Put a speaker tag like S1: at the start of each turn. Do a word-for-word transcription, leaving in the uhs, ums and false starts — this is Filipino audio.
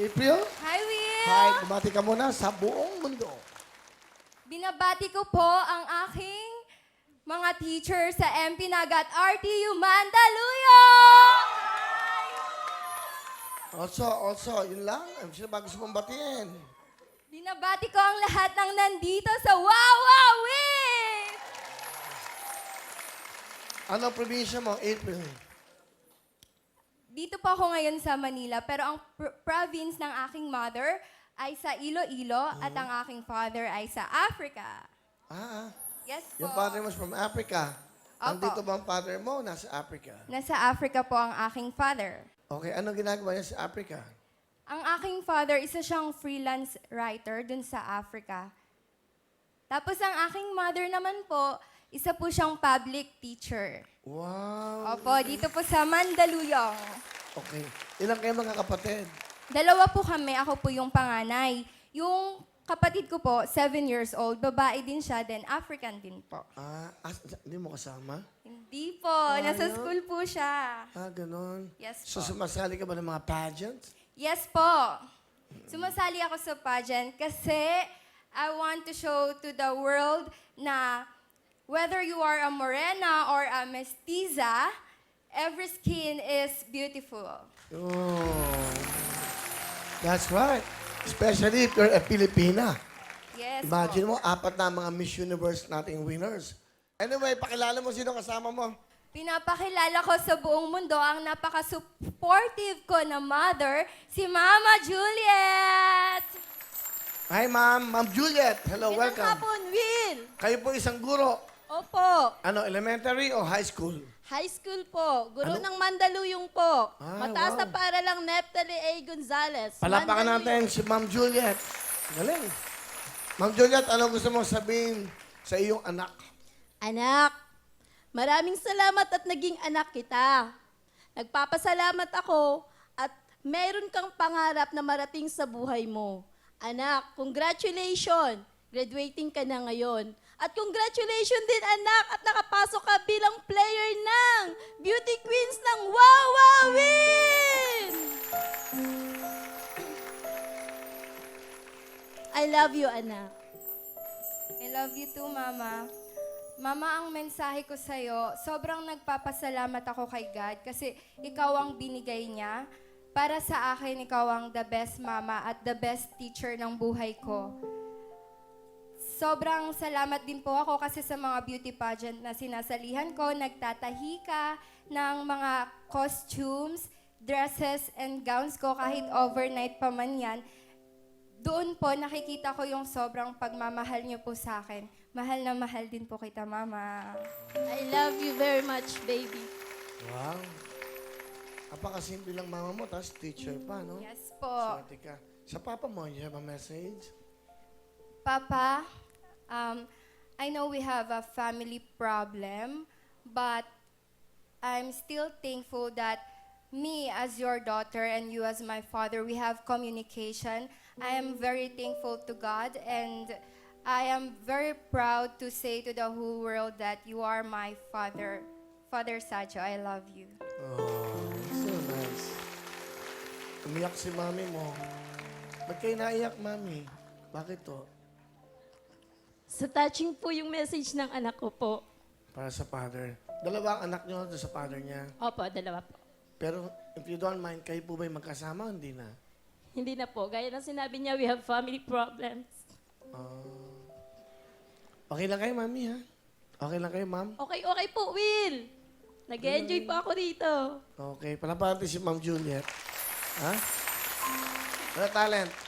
S1: April?
S2: Hi, Will!
S1: Hi, bumati ka muna sa buong mundo.
S2: Binabati ko po ang aking mga teacher sa M P Nagat R T U Mandaluyong!
S1: Also, also, yun lang. Ang sino ba gusto mong batiin?
S2: Binabati ko ang lahat ng nandito sa Wawa Will!
S1: Anong probinsya mo, April?
S2: Dito po ako ngayon sa Manila, pero ang pr- province ng aking mother ay sa Iloilo at ang aking father ay sa Africa.
S1: Ah,
S2: Yes po.
S1: yung father mo is from Africa.
S2: Opo.
S1: Nandito ba ang father mo? Nasa Africa.
S2: Nasa Africa po ang aking father.
S1: Okay, anong ginagawa niya sa Africa?
S2: Ang aking father, isa siyang freelance writer dun sa Africa. Tapos ang aking mother naman po, isa po siyang public teacher.
S1: Wow.
S2: Opo, dito po sa Mandaluyong.
S1: Okay. Ilang kayo mga kapatid?
S2: Dalawa po kami, ako po yung panganay. Yung kapatid ko po, seven years old, babae din siya, then African din po.
S1: Ah, as, hindi mo kasama?
S2: Hindi po, nasa school po siya.
S1: Ah, ganon.
S2: Yes
S1: So,
S2: po.
S1: sumasali ka ba ng mga pageants?
S2: Yes po. Sumasali ako sa pageant kasi I want to show to the world na whether you are a morena or a mestiza, every skin is beautiful.
S1: Oh. That's right. Especially if you're a Filipina.
S2: Yes
S1: Imagine
S2: po.
S1: mo, apat na mga Miss Universe nating winners. Anyway, pakilala mo sino kasama mo.
S2: Pinapakilala ko sa buong mundo ang napaka-supportive ko na mother, si Mama Juliet!
S1: Hi, Ma'am. Ma'am Juliet. Hello,
S3: Magandang
S1: welcome.
S3: hapon, Will.
S1: Kayo po isang guro.
S3: Opo.
S1: Ano, elementary o high school?
S3: High school po. Guro
S1: Ano?
S3: ng Mandaluyong po.
S1: Ah,
S3: Mataas na
S1: wow.
S3: para lang Neftali A. Gonzalez.
S1: Palapakan natin
S3: Mandaluyong.
S1: si Ma'am Juliet. Galing. Ma'am Juliet, ano gusto mong sabihin sa iyong anak?
S3: Anak, maraming salamat at naging anak kita. Nagpapasalamat ako at meron kang pangarap na marating sa buhay mo. Anak, congratulations! Graduating ka na ngayon. At congratulations din anak at nakapasok ka bilang player ng Beauty Queens ng Wawa Win! I love you, anak.
S2: I love you too, Mama. Mama, ang mensahe ko sa'yo, sobrang nagpapasalamat ako kay God kasi ikaw ang binigay niya. Para sa akin, ikaw ang the best mama at the best teacher ng buhay ko. Sobrang salamat din po ako kasi sa mga beauty pageant na sinasalihan ko, nagtatahi ka ng mga costumes, dresses, and gowns ko kahit overnight pa man yan. Doon po nakikita ko yung sobrang pagmamahal niyo po sa akin. Mahal na mahal din po kita, Mama.
S3: I love you very much, baby.
S1: Wow. Apakasimple lang mama mo, tapos teacher pa, no?
S2: Yes po.
S1: Swerte ka. Sa papa mo, you have a message?
S2: Papa, um, I know we have a family problem, but I'm still thankful that me as your daughter and you as my father, we have communication. I am very thankful to God and I am very proud to say to the whole world that you are my father. Father Sacho, I love you.
S1: Oh, so nice. Umiyak si mami mo. Ba't kayo naiyak, mami? Bakit to?
S3: Sa touching po yung message ng anak ko po.
S1: Para sa father. Dalawa ang anak niyo doon sa father niya.
S3: Opo, dalawa po.
S1: Pero if you don't mind, kayo po ba'y magkasama? Hindi na.
S3: Hindi na po. Gaya ng sinabi niya, we have family problems.
S1: Ah. Okay lang kayo, mami, ha? Okay lang kayo, ma'am?
S3: Okay, okay po, Will. Nag-enjoy po ako dito.
S1: Okay. Palapatin si Ma'am Juliet. Ha? Wala talent.